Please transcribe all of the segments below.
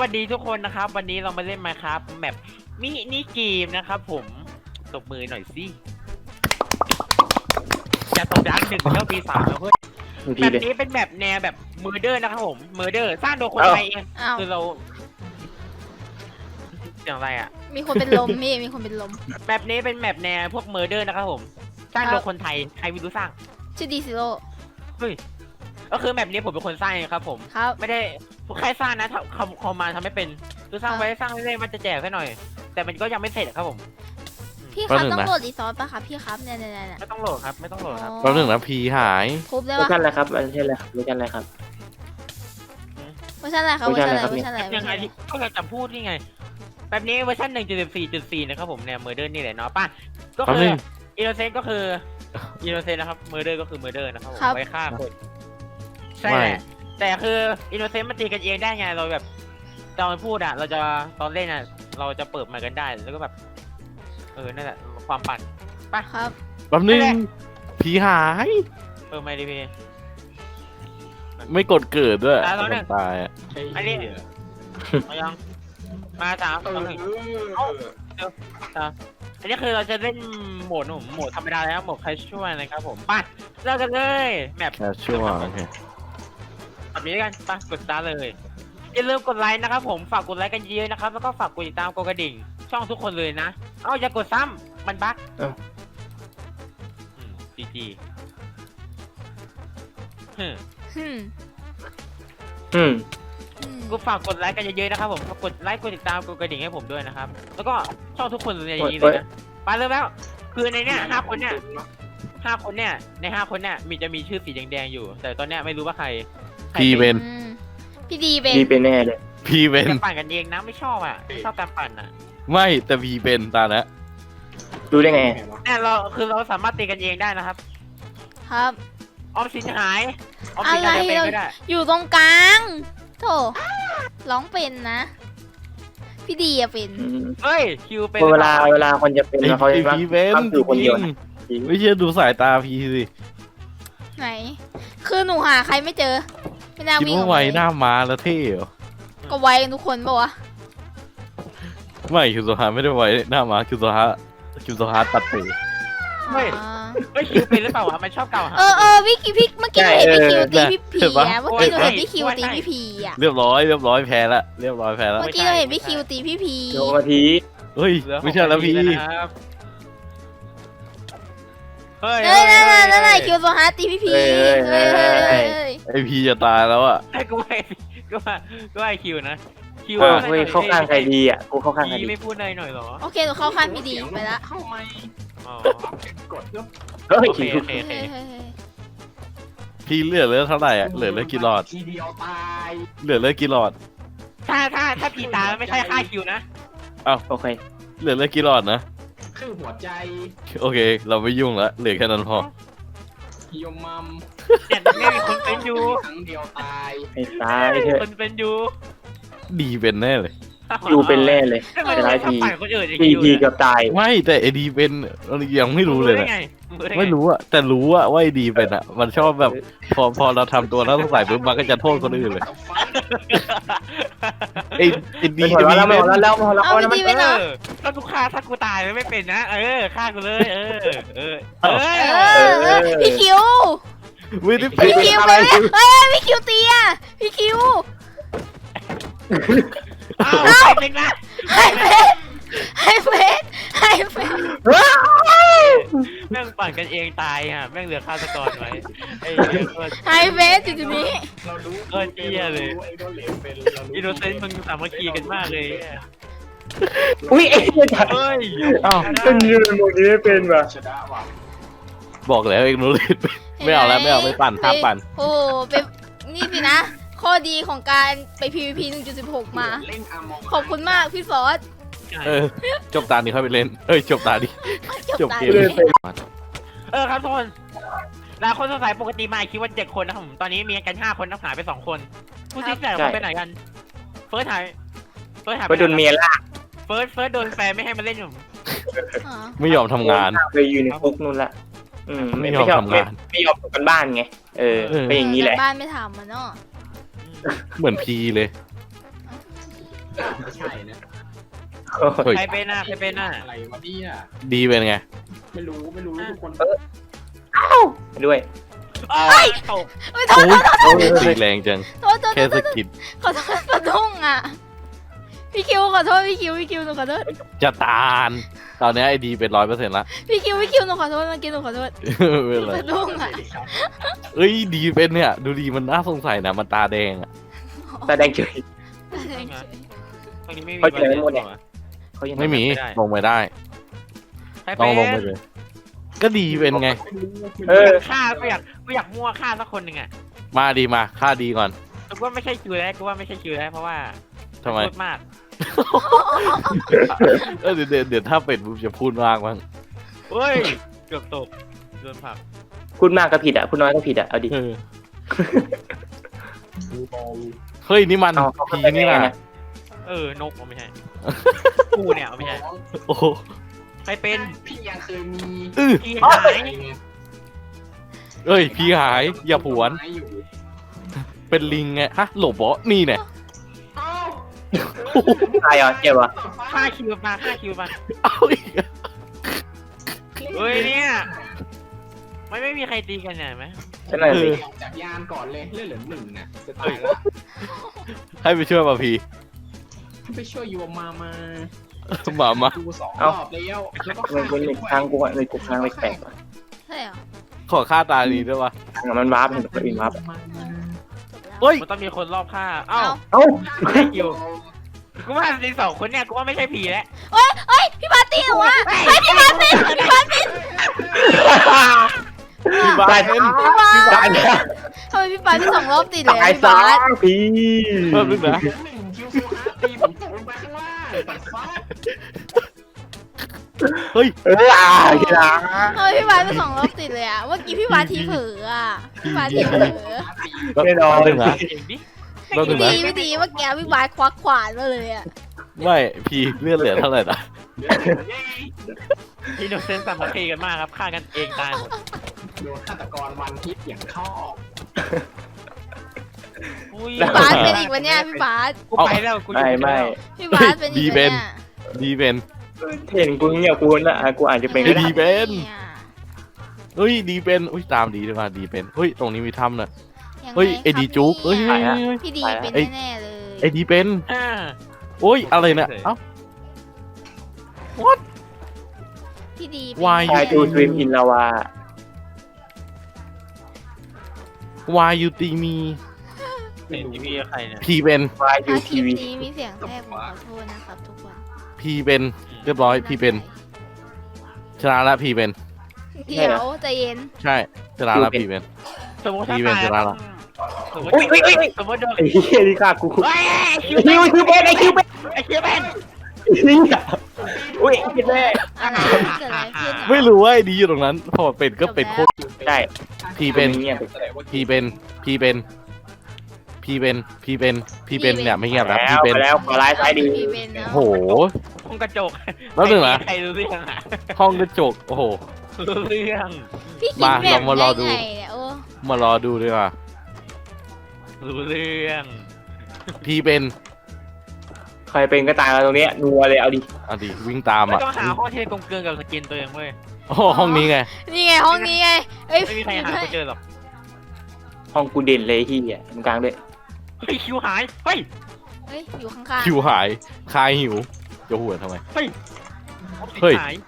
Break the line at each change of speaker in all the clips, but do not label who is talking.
วัสดีทุกคนนะครับวันนี้เรามาเล่น Minecraft แมปมินิเกมนะครับผมตบมือหน่อยสิอย่าตบดัง1แล้วปี3แล้วเพื่อนแบบนี้เป็นแมปแนวแบบเมอร์เดอร์นะครับผมเมอร์เดอร์สร้างโดยคนไทยเองคือเราอย่างไรอ่ะ
มีคนเป็นลมพี่มีคนเป็นลม
แบบนี้เป็นแมปแนวพวกเมอร์เดอร์นะครับผมสร้างโดยคนไทยใครไม่รู้สร้าง
ชื่อดีซิโร่
เฮ้ยก็คือแบบนี้ผมเป็นคนสร้างครับผม
ครับ
ไม่ได้ใครสร้างนะคอมมาทำไม่เป็นคือสร้างไว้สร้างเรื่อยๆมันจะแจกแค่หน่อยแต่มันก็ยังไม่เสร็จครับผม
พี่ครับต้องโหลดรีซอสป่ะครับพี่ครับเนี่ย
ไม่ต้องโหลดครับไม่ต้องโหลดครับ
แป๊บนึงนะพีหาย
ครบแล้ว
เวอร์ชันอะไรครับเวอร์ชันอะไรครับเวอร์ชันอะไรครับ
เวอร์ชันอะไรครับเวอร์ชันอะไรเวอร์ชันอะไร
ยังไงก็จะพูดนี่ไงแบบนี้เวอร์ชัน 1.14.4 นะครับผมเนี่ยเมอร์เดอร์นี่แหละเนาะป่ะก็คืออินโนเซนต์ก็คืออินโนเซนต์นะครับเมอร์เดอร์ก็คือเมอร์เดอร์นะครับผมไว้ฆ่าคนใช่แหละแต่คืออินโนเซนต์มันตีกันเองได้ไงเราแบบตอนพูดอ่ะเราจะตอนเล่นอ่ะเราจะเปิดมากันได้แล้วก็แบบนั่นแหละความปั่นป่ะ
ครับ
แป๊บนึงพีหาย
ไม่ดิพี่
ไม่กดเกิดด้วยตายอ่ะ
อันนี้มายังมา3 2 1อันนี้คือเราจะเล่นโหมดธรรมดาแล้วโหมดใครช่วยนะครับผมป่ะเริ่มกันเลยแมป
แคชชัวร์โอเค
แบบนี้กันป่ะกดสตาร์ทเลยอย่าลืมกดไลค์นะครับผมฝากกดไลค์กันเยอะนะครับแล้วก็ฝากกดติดตามกดกระดิ่งช่องทุกคนเลยนะอย่ากดซ้ำมันบั๊กจีกูฝากกดไลค์กันเยอะๆนะครับผมกดไลค์กดติดตามกดกระดิ่งให้ผมด้วยนะครับแล้วก็ช่องทุกคนเลยอย่างนี้เลยนะไปเริ่มแล้วคือในเนี้ย5 คนเนี่ยใน5 คนเนี่ยจะมีชื่อสีแดงๆอยู่แต่ตอนเนี้ยไม่รู้ว่าใคร
พีเป็น
พี่ดีเป็น
พีเป็นแน่เลย
พีเป็น
ปั่นกันเองนะไม่ชอบชอบการปั่น
ไม่แต่พีเป็นตาแล้ว
ดูได้ไง
เนี่ยเราสามารถตีกันเองได้นะครับ
ครับ
ออมสินหาย
อะไรเราอยู่ตรงกลางโธ่ร้องเป็นนะพี่ดีอะเป็น
เฮ้ยคิวเป็น
เวลาคนจะเป็นเขาจะ
พีเป็น
อยู่คนเดียว
ไม่เชื่อดูสายตาพีสิ
ไหนคือหนูหาใครไม่เจอไม่น่าวิ่ง
คิดว่าไวหน้ามาแล้วเท่เหรอ
ก็ไวกันทุกคนปะวะ
ไม่คิวโซฮาไม่ได้ไวหน้ามาคิวโซฮาตัดเตะ
ไม่คิวเป็นหรือเปล่าวะมันชอบเก่าหา
พี่เมื่อกี้เห็นพี่คิวตีพี่พีอะเมื่อกี้เราเห็นพี่คิวตีพี่พีอะ
เรียบร้อยแพ้ละเรียบร้อยแพ้ละ
เมื่อกี้เราเห็นพี่คิวตีพี่พี
โดนที
เฮ้ยไม่ใช่แล้วพี่
เฮ้ย
นั่นคิวโซฮาตีพี่พี
ไอพีจะตายแล้วอ่ะ
ก็ว่าคิวนะคิว
เข้าข้างใครดีอ่ะกูเข้าข้างใครดี
ไม่พูดหน่อยหรอ
โอเคหนูเข้าข้างพี่ดีไปละ
เฮ้ย
พี่เหลือเท่าไหร่อ่ะเหลือกี่หลอดเหลือกี่หลอด
ถ้าพีตาไม่ใช่ค่าคิวนะ
อ้าวโอเค
เหลือกี่หลอดนะ
ครึ่งหัวใจ
โอเคเราไม่ยุ่งละเหลือแค่นั้นพอ
ฮิวมัม
แต่ไม่มีคนเป็นอยู่
ครั้งเดียวตาย
คนเป็นอยู่
ดีเป็นแน่เลย
ยูเป็นแน่เลย
แต่หลายที
ดีเกือบตาย
ไม่แต่ไอดีเป็นยังไม่รู้เลยไม่รู้อะแต่รู้ว่าไอดีเป็นอะมันชอบแบบพอเราทำตัวแล้วต้องใส่ปุ๊บมันก็จะโทษคนอื่นเลยไอดี
จะมีแล้ว
เอาดีไปเนาะ
ถ้ากูฆ่าถ้ากูตายไม่เป็นนะฆ่ากูเลย
พี่คิวพี่คิวไปพี่คิวตีอะพี่คิว
เป็นนะ
ให้เฟส
แม่งปั่นกันเองตายแม่งเหลือฆาตกรไว้
ให้เฟสจุดนี้
เรารู้
เจี๊ยเลยอินโนเซนต์มึงสามัคคีกันมากเลย
อุ้ยเ
ฮ้ย
เป็นยืนโมนี้ไม่เป็นว่ะ
บอกแล้วเองรู้เลยไม่เอาแล้วไม่ปั่นห้ามปั่น
โอ้เป็นนี่สินะข้อดีของการไป PVP 1.16 มาขอบคุณมากพี่ฟอส
จบตานี้ค่อยไปเล่นจบตาดิจบเกม
ครับทุกคนหลายคนสงสัยปกติมาคิดว่า7 คนนะครับผมตอนนี้มีกัน5 คนนักหายไป2 คนผู้ที่แต่คนไปไหนกันเฟิร์สหาย
ไปโดนเมียล่า
เฟิร์สโดนแฟนไม่ให้มาเล่นผม
ไม่ยอมทำงาน
ไปอยู่ในคุกนู่นละ
ไม่ยอมทำงาน
ไม่ยอมทำกันบ้านไงเป็นอย่างนี้แหละ
บ้านไม่ทำมันเนาะ
เหมือนพีเลย
ไม่ใช่นะ
เฮ้ย
ใครเป็นหน้าใครเป็นหน้า
อะไรวะเนี่ย
ดีเป็นไง
ไม่รู้ทุกคน
ด้วย
ตก
ไม่โทษ
โอ้ยตีแรงจัง
โทษ
แค่สะกิด
ขอโทษสะดุ้งอ่ะพี่คิวขอโทษพี่คิวหนูขอโทษ
จะตานตอนนี้ไอดีเป็น100%ละ
พี่คิวหนูขอโทษเมื่อกี้หนูขอโทษ
ไม่เป็นไร
สะดุ้งอ่ะ
เอ้ยดีเป็นเนี่ย ดูดีมันน่าสงสัยนะมันตาแดงอ่ะ
ตาแดงเฉย
ตรงนี้ไม่มี
เขาเจอหมดเนี่ย เขายัง
ไม่มีลงไปได้
ใคร
ต้
เป็
อง
น
ลงไปเลย ก็ดีเป็นไง
ฆ่ากูอยากมั่วฆ่าสักคนหนึ่งอ่ะ
มาดีมาค่าดีก่อน
กูว่าไม่ใช่คิวแล้วกูว่าไม่ใช่คิวแล้วเพราะว่า
ทำไม
พูดมาก
เดี๋ยวถ้าเป็นปุ๊บจะพูดมากมั้ง
เฮ้ยเกือบตกโดนผลัก
พูดมากก็ผิดอ่ะพูดน้อยก็ผิดอ่ะเอาดิ
เออเฮ้ยนี่มัน
เอาเขา
พี
เป็น
นี่
ไง
นะ
นะ
นกไม่ใช่ กูเนี่ยไม่ใช่
โอ้โห
ใครเป็น
พี่ยังเคยมี
พี่หาย
เอ้ยพี่หายอย่าผวน เป็นลิงไงฮะหลบเหรอนี่เนี่ย
ตายเหรอเจ็บเหรอ
ฆ่าคิวมา
เอาอีกอะ
เฮ้ยเนี่ยไม่มีใครตีกันเนี่ยไหม
ฉันหน่อยสิ
จากยานก่อนเลยเลือดเหลือ1น่ะจะตายแล้ว
ให้ไปช่วยมาพี
ไปช่วยโยมมา
มา
ดู2 รอบแล้วแล้วก็
มันเป็นหนึ่งทางกูอ่ะเลยกูทางแปลกๆว่ะ
ใช่เหรอ
ขอค่าตานี้ด้วยวะ
ทางมันวาร์ปเห็นคนอื่นวาร์ป
เฮ้ย
มันต้องมีคนรอบฆ่าเอ้า
เอ้า
ไม่ใช่คิวกูว่าจริงสองคนเนี่ยกูว่าไม่ใช่ผีแล้ว
เอ้ยพี่บาสตีเหรอวะเฮ้ยพี่บาสเป็น
พี่บาสเป็น
ตายแล้ว
พี่บาส
ตายแล้ว
ทำไมพี่บาสที่2 รอบติดเลย
ตาย
พี่
ซะ
บาส
พี่
เพิ่มขึ้นนะ
1คิวฟูอาร์ตีผมตกลงไปข้างล่างตัดฟ้า
เฮ้ย
กีฬา
ทำไมพี่บาสเป็น2 รอบติดเลยอ่ะเมื่อกี้พี่บาสทีเผลออ่ะพี่บาสทีเผลอ
แน่นอน
หนึ่งนะ
เองดิ
เราหนึ่งนะ
พี่ดีเมื่อกี้พี่บาสควักขวานมาเลยอ่ะ
ไม่พีเลื่อนเหลือเท่าไหร่นะ
พี่โนเซนต์สามัคคีกันมากครับฆ่ากันเองตายหมด
โดนฆาตกรวันฮิตอย่างชอบ
อุ้ย
พี่บาสเป็นอีกวันเนี้ยพี่บาส
กูไปแล้วกูอยู่
ไม่
พี่บาสเป็นอีกวันเนี้ย
ดีเป็น
เห็นกูเงียบกูน่ะกูอาจจะเป็นก็ได้
ดีเป็น
ย
เฮ้ยดีเป็นอุ้ยตามดีด้วยมาดีเป็นเฮ้ยตรงนี้มีถ้ำนะ
ยังไง
เฮ้ยไอดีจุกเฮ้ย
ครับ
เฮ้ย
พี่ดีเป็นแน่ๆเลย
ไอดีเป็น
อ่า
โอ้ยอะไรเนี่ยเอ้า
พี่ดี
Why
ชายดูสวิมอินลาวา
why you ตีมี
เห็นที่พี่ใครเนี่ย
พีเป็น
วายยู
ถ้าค
ที
ลิป
วี
นี้มีเสียงแทรกผมขอโทษนะครับทุกคน
พีเป็นเรียบร้อยพีเป็นชนะละพีเป็น
เดี๋ยวใจเย็น
ใช่ชนะละพีเป็น
สมมติถ้า
พี่เป็น
ตาย
จะละละ
สมมติ
อุ้ยอุ้ยอุ้ย
สมมติโดน
ไอ้เหี้ยนี่ฆ่ากู
เฮ้ยคิว
ไอ้คิวเป็นไอ้คิวเป็น
ไอ้คิวเป็น
อุ้ยคิดแม่
อะไรเกิดอะไรขึ้นอะ
ไม่รู้ว่าไอ้ดีอยู่ตรงนั้นพอเป็นก็เป็นโคตร
ใช่
พีเป็น
เงียบ
พีเป็นพีเป็นพีเป็นพีเป็นพีเป็นเนี่ยไม่เงียบนะ
แล้
พี
ว
เป็น
ไปแล้วขอไลฟ์ซ้ายดี
พี่เป็นนะ
โอ้โห
ห้องกระจก
แล้วหนึ่งนะ
ใครรู้เรื่องอ่ะ
ห้องกระจกโอ้โห
รู้เรื่อง
พี่คิด
มา
แบบ
เรามารอดู
ได้ไงเนี่ยโอ้
มารอดูดีกว่า
รู้เรื่อง
พีเป็น
ใครเป็นก็ตายมาตรงเนี้ยนัวเลยเอาดิ
อ่ะดิวิ่งตาม
ไม่
อ่ะ
ต้องหาห้องที่กลมเกลืนกับสกินตัวเองเว้ย
โอ้โหห้องนี้ไง
นี่ไงห้องนี้ไงเอ้ย
ไม่มีใครหากูเจอหรอก
ห้องกูเด่นเลยที่อ่ะตรงกลางด้วย
เฮ้ยคิวหายเฮ้ย
เฮ้ยอยู่ข้างๆ
คิวหายคายหิวจะหัวทำไม
เฮ้ย
เฮ้ย
หาย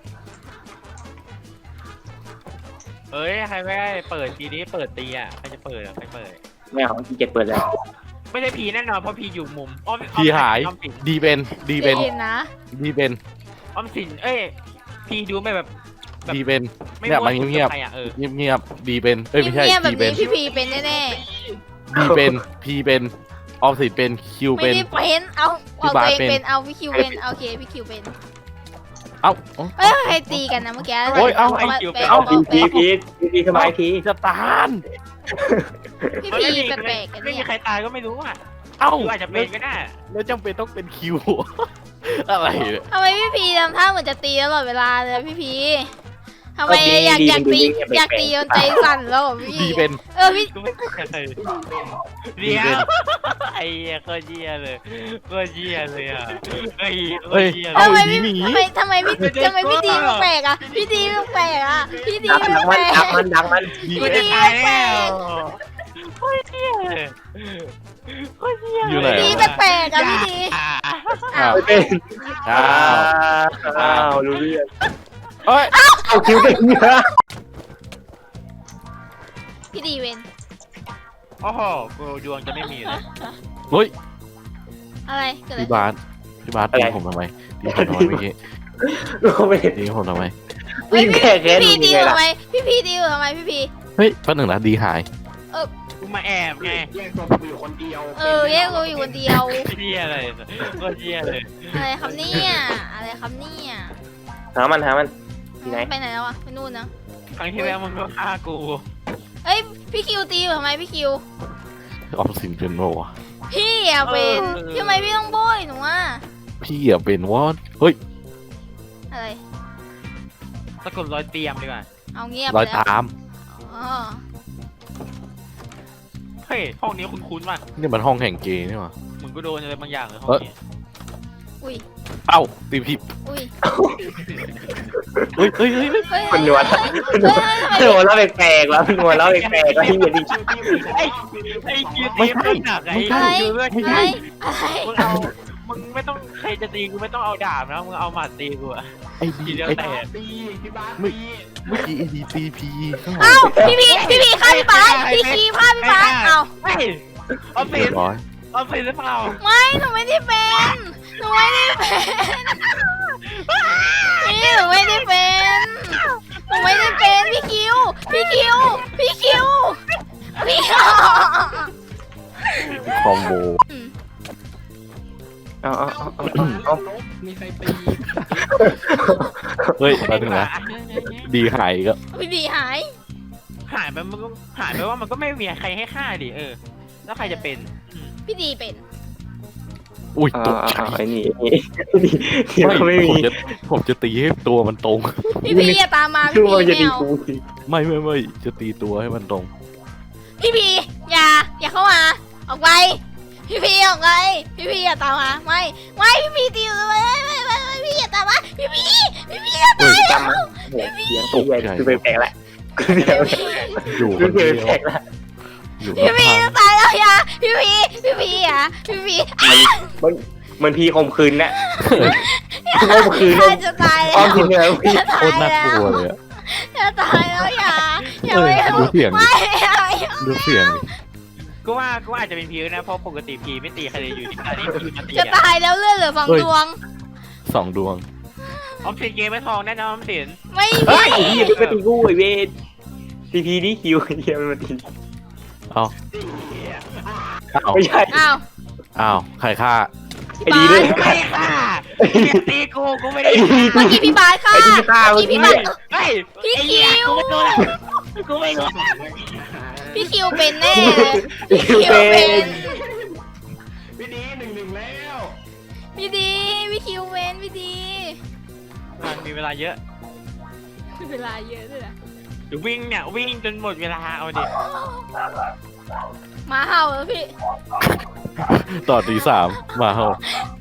เฮ้ยใครไม่ได้เปิดทีนี้เปิดตีอ่ะใครจะเปิดอ่ะใครเปิด
ไม่เอาที่เจ็ดเปิดแล้ว
ไม่ใช่ผีแน่นอนเพราะผีอยู่มุมอ้อม
พีหาย
อ้อมสิน
ดีเป็นดีเป็น
ใจย็นนะ
ดีเป็น
อ้อมสินเอ้ยผีดูไม่แบบ
ดีเป็น
ไม่
เนี่ยมัน
มั่ว
เงียบ
ใครอ่ะเออ
เงียบเงียบดีเป็นเอ้ยไม่ใช่
เงียบๆแบบ
ดีเป็
นี้
น
พี่พีเป็นแน่
ดีเป็นพีเป็นออมสินเป็นคิว
ๆไม่
เป็น
ได้เป็นเอา
พี่
เอา
บา
ตัว
ส
เอง
เป็น
เป็นเอาพี่คิวเป็นโอเคพี่คิวเป็น
เอ้า
เอ้ยใครตีกันนะเมื่อกี้
โอ้ยเอา
มา
เอา
แปลก
พีทำไมพี
จะตาน
พี่
มัน
พี
ไม่มี
แปลกๆกัน
ไม่มี
เนี่ย
ใครตายก็ไม่รู้อ่ะ
เอ้า
คิวอาจจะเป็นก็ได้
แล้วจำเป็นต้องเป็นคิว อะไรเนี่ย
ทำไมพี่พีทำท่าเหมือนจะตีตลอดเวลาเลยพี่พีทำไมอยากตีจนใจสั่นแล้วเหรอพี่
ดีเป็น
พี่
กูไม่เป็นอะไรเดี๋ยวไอ้เหี้ยโคตรเหี้ยเลยโคตรเหี้ยเลยอ่ะไอ้โคตรเหี้ยเล
ทำไม
ย
พี่ทำไมพี่ดีมันแปลกอ่ะพี่ดีมันแปลกอ่ะพี่ดี
ดัก
มัน
มัน
แปล
ดั
ก
กมัน
กูจะตายแล้วโคตรเหี้ยเลยโคตรเหี้ย
อยู่ไหน
พี่ดีแปลกอ่ะพี่ดีอ้าว
ไม่เป็น
อ้าว
อ้าวรู้เรื่อง
เอ้ย
เอาคิวเป็นเยอะ
พี่ดีเวน
โอ้โหกูดวงจะไม่มีเลย
เฮ้ย
อะไรเกิดอะไร
พี่บาสตีผมทำไมตีผมทำไมเมื่อกี้
รู้ไม่
ตีผมทำไม
วิ่งแค่แค่
พี่
นี้
ดี
ไง
ทำ
ล่ะ
ไมพี่ดีทำไมพี่
เฮ้ยแป๊บหนึ่งนะดีหาย
กูมาแอบไง
แยกตัวกูอยู่คนเดียว
แยกกูอยู่คนเดียว
เหี้ยอะไรโคตรเหี้ยเลย
อะไรครับเนี่ยอะไรครับเนี่ย
หามันที่ไหน
ไปไหนแล้วอะไปนู่นนะ
ครั้งที่แล้วมึงก็ฆ่ากู
เอ้ยพี่คิวตีอยู่ทำไมพี่คิว
ออมสินเป็นโวะ
พี่อะเป็นทำไมพี่ต้องโบยหนูอะ
พี่อะเป็นวอดเฮ้ย
อะไร
สะกดรอยเตรียมดีกว่า
เอาเงียบ
รอย
ไปแล้ว
ตาม
อ๋อ
เฮ้ยห้องนี้คุ้นๆว่ะ
นี่มันห้องแห่งเกย์นี่หว่า
เหมือนกูโดนอะไรบางอย่างเลยห้องนี้
อุ้ย
เอ้าตีผิด
อุ้ย
เฮ้ยเฮ้ยเฮ้ย
เฮ้ย
มันนวลนวลแล้วแปลกๆแล้วนวลแล้วแปลกๆแล้วที่อย่าดิ
ไอ้คิวตีมันหนักไอ้คิวเลือด
อะไร
มึงเอามึงไม่ต้องใครจะตีกูไม่ต้องเอาดาบนะมึงเอาหมัดตีกูอะ
ไอ้
ที
ดี
เดียว
ไอ้
แตก
ตีพี่บ้าน
เมื่
ตี
เมื่อกี้ไอ้ดีตีพีข้างหลั
เอ้าง พี่พีฆ่าพี่บาสพี่คีฆ่าพี่บาสเอ้า
เฮ้ยเอาสิ
เรียบร้อย
เอาสิหรือเปล่า
ไม่หนูไม่ได้เป็นหนูไม่ได้เป็นนี่หนูไม่ได้เป็นหนูไม่ได้เป็นพี่คิวพี่คิวพี่คิวพี่คิว
คอมโบ
เอา
มีใครตี
เฮ้ยแป๊บนึงนะดีหายก็
พี่ดีหาย
หายไปมันก็หายไปว่ามันก็ไม่มีใครให้ฆ่าดิแล้วใครจะเป็น
พี่ดีเป็น
อุ้ยตกใจ
ไอ้นี่ที่ไม่มี
ผมจะตีให้ตัวมันตรง
พี่พีอย่าตามมา
ชื่
พี่
อ
พี
มันจะ
ไม่
ดี
เอา
กูสิ
ไม่จะตีตัวให้มันตรง
พี่พีอย่าเข้ามาออกไปพี่พีออกไปพี่พีอย่าตามมาไม่พี่พีตีอยู่ไม่พี่อย่าตามมาพี่พีอย่าตาม
จำเสียงตกใจคือแปลกๆแหละเสียง
อยู่ค
คือน
เดียว
แปลกๆละ
อยู่
พี่พี
ข้าง
จะตายแล้วอย่าพี่พีอ่ะพี่พี
มันพีข่มขืนน่ะข่มขืน
ข้าจะตายแล้
อ้อม
ว
ทีเดียว
จะ
โค
ตาย
ตรน่า
แล้ว
กลัวเลยอะ
จะตายแล้วอย่า
เออ
ไม่
ดูเสียงดิ
ไม่
ดูเสียงดิ
ก็ว่าอาจจะเป็นพีนะเพราะปกติพีไม่ตีใครเลยอยู่ที่อันนี้พีมาตี
จะ
อะ
ตายแล้วเลือดเหลือสองดวง
2 ดวง
ออมสินเกมไม่ทองแน่นอนออมสิน
ไม่
เฮ้ย
มี
เฮียไปตีกูไอ้เวททีพีนี่คิวเฮียมันมาตี
เอ้าเอ้า
ไม่ใช่
อ้าว
อ้าวใครฆ่า
ไอ้ดีด้วย
ไม่ได้ค่ะเกมตีกูไม่ได้
เมื่อกี้พี่บาสค่ะ
ไอ้ดีฆ่า
เมื่อ
เมื่อ
กี้
กี้
พี่บาส
เฮ้ย
พี่คิว
กูไม่รู้แล้วกูไม่รู้
พี่คิวเป็นแน่เลยพี่คิว
เป็
เป็น
น
พี่ดี1-1แล้ว
พี่ดีพี่คิวเป็นพี่ดี
มันมีเวลาเยอะ
เวลาเยอะด้วยนะ
เดี๋ยววิ่งเนี่ยวิ่งจนหมดเวลาเอาดิ
หมาเห่าแล้วพี่
ต่อตี3มาเฮา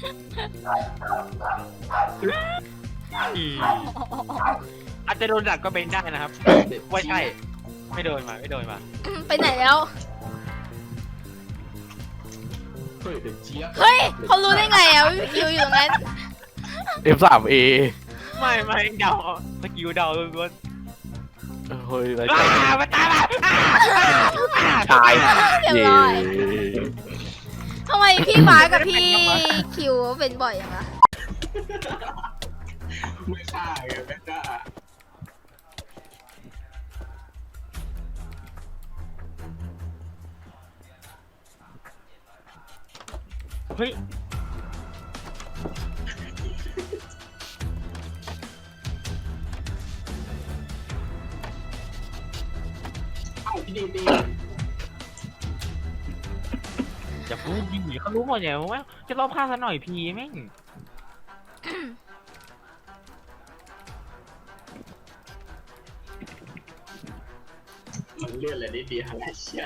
อาจจะโดนดักก็เป็นได้นะครับว่าใช่ไม่โดนมา
ไปไหนแล้ว
เฮ้ยเด็กเจี๊ยบ
เฮ้ยเขารู้ได้ไงอ่ะว่าพี่คิวอยู่ตรงนั้น
F3A
ไม่เดาสกิลเดาล้วน
เฮ้ยไร
มาตายละ
ตาย
เรียบ
เย่
ร้อยทำไมพี่บาสกับพี่คิวเป็นบ่อยอย่างละ
ไม่ฆ่าไงไม่ฆ่า
เฮ้ย
เอ้าพี่ดีตี
อย่าพูดดิเขารู้หมดอย่างว่าจะรอบฆ่าซะหน่อยพีแม่ง
เลื่อนเลยนิดเดียวอะไรเชี่ย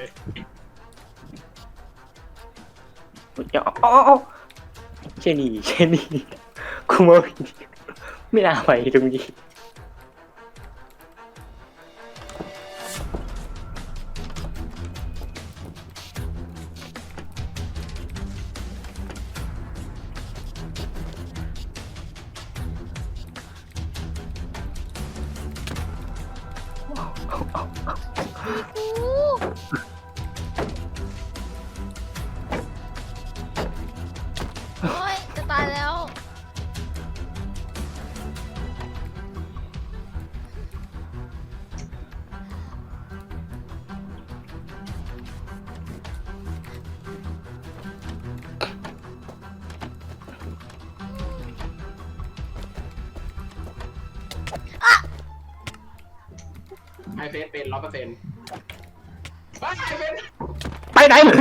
อ๋อเชนี่กูไม่น่าไปตรงนี้
โอ๊ยจะตายแล้ว
ไอเฟสเป็น100%ไอเฟส
ไปไหนมึง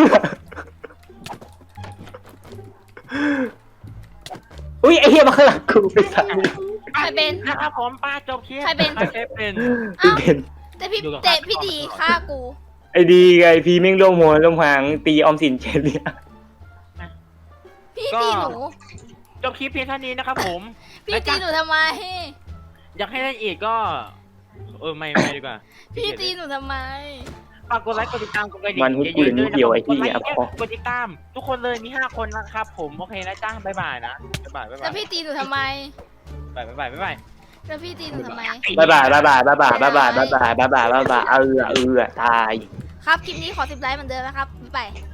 อุ้ยไอ้เหี้ยมาข้างหลังกูไปสั่ง
ใครเป็น
นะครับผมป้าจบคลิป
ใครเป็น
ใครเป็น
เอ้า
เป็น
แต่พี่
อยู่กับ
เตะพี่ดีฆ่ากู
ไอ้ดีไงพี่แม่งร่วมหัวร่วมหางตีออมสินเชนเนี่ย
พี่ตีหนู
จบคลิปเพียงเท่านี้นะครับผม
พี่ตีหนูทำไม
อยากให้เล่นอีกก็ไม่ดีกว่า
พี่ตีหนูทำไม
ฝากกดไลค์กดติดตามกดกระดิ่ง
มันหุ้นกูนิดเดียวไอ้เหี้ย
กดติดตามทุกคนเลยมี5 คนนะครับผมโอเคนะจ้าบ๊ายบายนะบ๊ายบาย
แล้วพี่ตีหนูทำไม
บ๊ายบายบ๊ายบาย
แล้วพี่ตีหนูทำไม
บ๊ายบายตาย
ครับ คลิปนี้ขอ10 ไลค์เหมือนเดิมนะครับ บ๊ายบาย